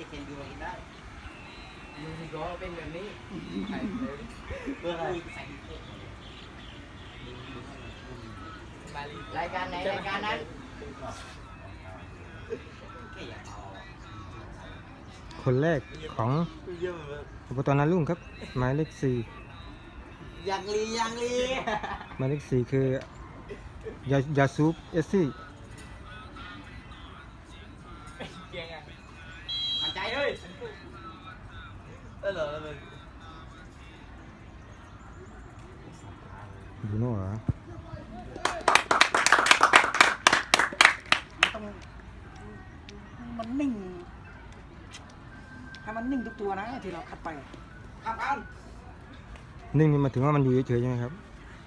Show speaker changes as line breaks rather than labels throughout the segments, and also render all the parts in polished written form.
เคนดูมากินได้
ยูนิโก้เป็นแบบนี้
เพื่ออะไร
รายการไหนรายการนั้น
คนแรกของอบตนารุ่งครับหมายเลข4
ยังลี
หมายเลข4คือยาซูบเอสซี่
มันใจเลย
เหรอเลย
บูโน่เหรอ
มันนิ่งให้มันนิ่งทุกตัวนะที่เราคัดไปครับ
นิ่งนี่มาถึงว่ามันอยู่เฉยๆใช่ไหมครับ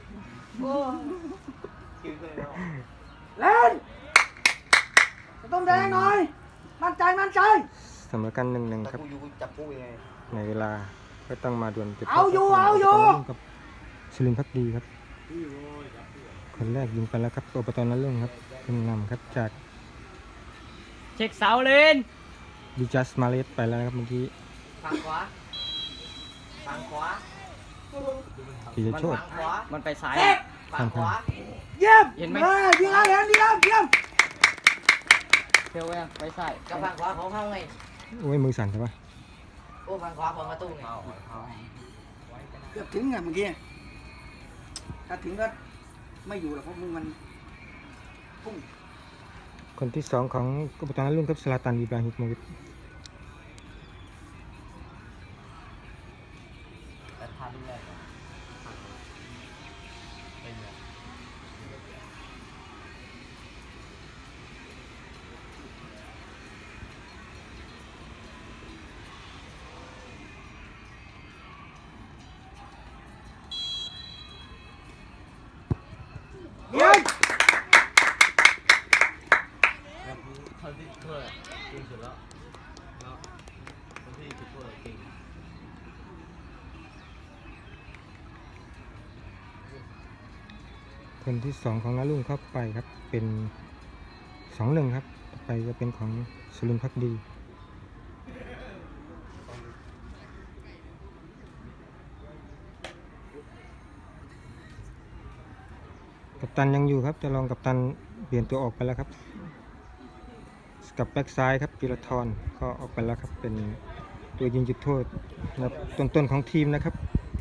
เล่นต้องแดงหน่อยมั่นใจ
เสมอกัน1-1ครับ
กูอยู่จับกูยังไง
ในเวลาก็ต้องมาดวลจุด
เอาอยู่
กับสุรินทร์ภักดีครับคนแรกยิงไปแล้วครับอบตนารุ่งครับขึ้นนำครับจาก
เช็คเสาเลน
ดิจัสมาเลสไปแล้วนะครับเมื่อกี้
ฝั่งขวา
กิจโชต
มันไปซ้าย
ข้าง
เยี่ยม
เห็นไหม
ดีแล้วเยี่ยม
เที่ยวไปซ้าย
กับฝั่งขวาของเขาไง
โอ้ยมือสั่นใช่ปะ
โอ้ฝั่งขวาของประตูไง
เกือบถึงไงเมื่อกี้ถ้าถึงก็ไม่อยู่หรอกเพราะมึงมันพุ่ง
คนที่2ของอบตนารุ่งครับสลาตันอิบราฮิโมวิช
แต่ทานด้วยเป็นไง
เยี่ยม
เขาที่ช่วยเก่งสุดแล้วคนที่ช่วยเก่ง
คนที่2ของนารุ่งเข้าไปครับเป็น2-1ครับต่อไปจะเป็นของสุรินทร์ภักดีกัปตันยังอยู่ครับจะลองกัปตันเปลี่ยนตัวออกไปแล้วครับกับแบ็กซ้ายครับกิรทรก็ออกไปแล้วครับเป็นตัวยิงจุดโทษนะครับต้นๆของทีมนะครับ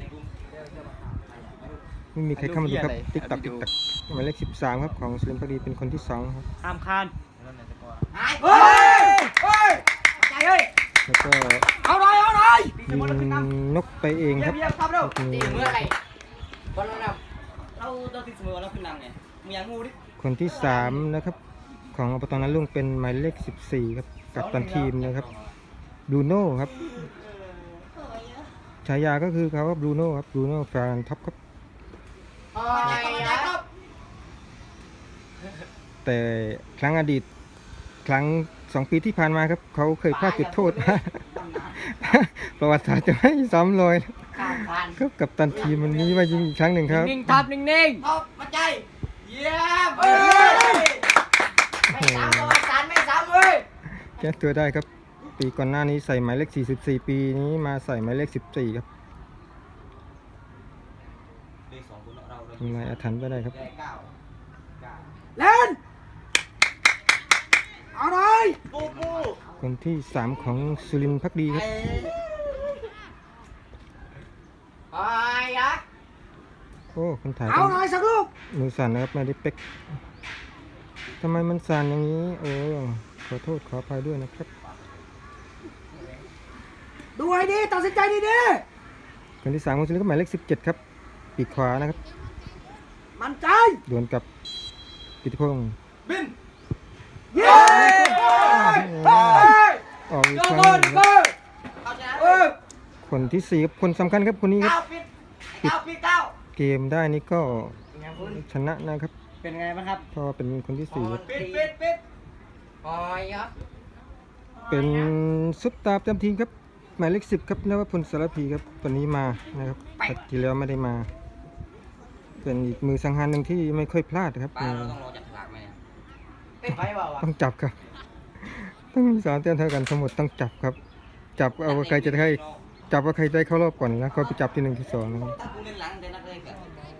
ไม่มีใครเข้ามาดูครับติ๊กตักหมายเลข13ครับของสุรินทร์ภักดีเป็นคนที่2ครับ
ห้ามคาน
เฮ้ยใจเฮ้ย
แล้วก็
เอาหน่อย
ยิงนกไปเองครับ
ตีเมื่อไหร่บอลเราเราตีเสมอเราขึ้นนำไงมึงยังงูดิ
คนที่3นะครับของอบตนารุ่งเป็นหมายเลข14ครับกัปตันทีมนะครับบรูโน่ครับฉายาก็คือเขาบรูโน่ครับบรูโน่แฟนท็อปครับแต่ครั้งอดีตครั้ง2 ปีที่ผ่านมาครับเขาเคยพลาดจุดโทษ ประวัติศาสตร์จะไม่ซ้ำรอยครับกัปตันทีมมันนี้ว่ายิงอีกครั้งหนึ่งครับ
นิ่งทับนิ่ง
ท็อปมาใจเยี่ยม
ไม่ซ้ำประวัติศาสตร์ไม่ซ้ำเว้ย
แก้ตัวได้ครับปีก่อนหน้านี้ใส่หมายเลข44ปีนี้มาใส่หมายเลข14ครับทำลายอาถรรพ์ไปได้ครับ
เล่นเอาหน่อย
คนที่3ของสุรินทร์ภักดีครับ โอ้คนถ่าย
เอาหน่อยสักลูก
มือสั่นนะครับไม่ได้เป๊กทำไมมันสั่นอย่างนี้โอ้ขอโทษขออภัยด้วยนะครับ
ดูให้ดีตัดสินใจดี
คนที่3ของสุรินทร์ก็หมายเลข17ครับปีกขวานะครับ
ๆมั่นใจ
ดวลกับกิติพงษ์
เย้
ออกอีกครั้งหนึ่งครับคนที่4ครับคนสำคัญครับคนนี้ครับเกมได้นี่ก็ชนะนะครับ
เป็นไงบ้างครับ
เพราะว่าเป็นคนที่4ครับ
ปิดโอ้ยครับ
เป็นซุปตาร์ประจำทีมครับหมายเลข10ครับนวพลสารพีครับวันนี้มานะครับแต่ที่แล้วไม่ได้มา เป็นอีกมือสังหารหนึ่งที่ไม่ค่อยพลาดครับ
ป้าเราต้องรอจับฉลากไหมเนี่ยเต้นไฟเปล่าวะ
ต้องจับครับ ต้องมี3 แต้มเท่ากันทั้งหมดต้องจับครับจับเอาว่าใครจะได้จับว่าใครได้เข้ารอบก่อนแล้วก็ไปจับที่1ที่2นะครับ
ถ้ากูเล่นหลังเดี๋ยวนักเล่นกัน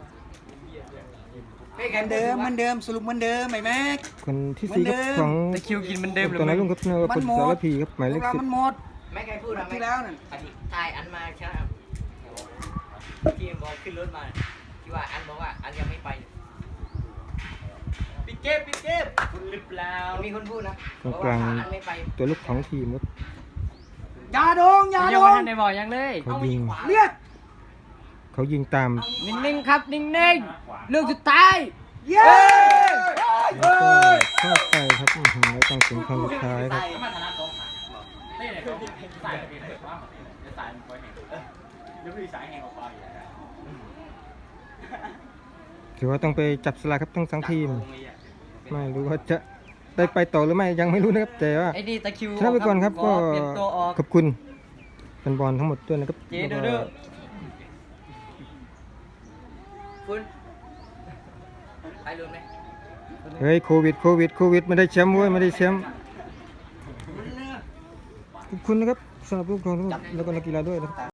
เหมือนเดิมสรุปเหมือนเดิมไหมแม็ก
คนที่4ครับของ
แต่คิวกินมันเดิมหรือ
ตอนนั้นลุงครับเนว่า
มั
เป็น
นหมด
สารพีครับหมายเล
พว
ข
กเรา
10
มันหมด
ไม่เคยพูดนะ
ที่แล้วนั่น
อธิตายอันมาใช่ไหมที่บอกขึ้นรถมาที่ว่าอันบอกว่าอันยังไม่ไปปิดเก็บคุณหรือเปล่ามีคนพูดนะ
ตรงกลาง
อันไม่ไป
ตัวลูกของทีมครับ
อย่าดง
ยังไม่ทันได้บอกยังเลย
เขายิง
เรียก
เขายิงตาม
นิ่งๆครับนิ่งๆเรื่องสุดท้าย
เย้
แล้วก็เข้าไปครับอื้อหือแล้วต้องถึงครั้งสุดท้ายครับ
มาธนาสองขานี่ไหนเขาสายเป็นอะไรวะจะสายมันคอยแหงยังไม่มีสายแหงออกไป
ถือว่าต้องไปจับสลากครับทั้ง2ทีม ไม่รู้ว่าจะได้ไปต่อหรือไม่ยังไม่รู้นะครับแต่ว่า
ไอ้ดีตะคิว
ชนะไปก่อนครับก็
เปลี่ยนตัวออก
ขอบคุณแฟนบอลทั้งหมดด้วยนะครับ
เจ๊เด้อคุณไปลุ้นไหม
เฮ้ยโควิดไม่ได้แชมป์เว้ยไม่ได้แชมป์ขอบคุณนะครับสำหรับผู้ปกครองทั้งหมดแล้วก็นักกีฬาด้วยนะครับ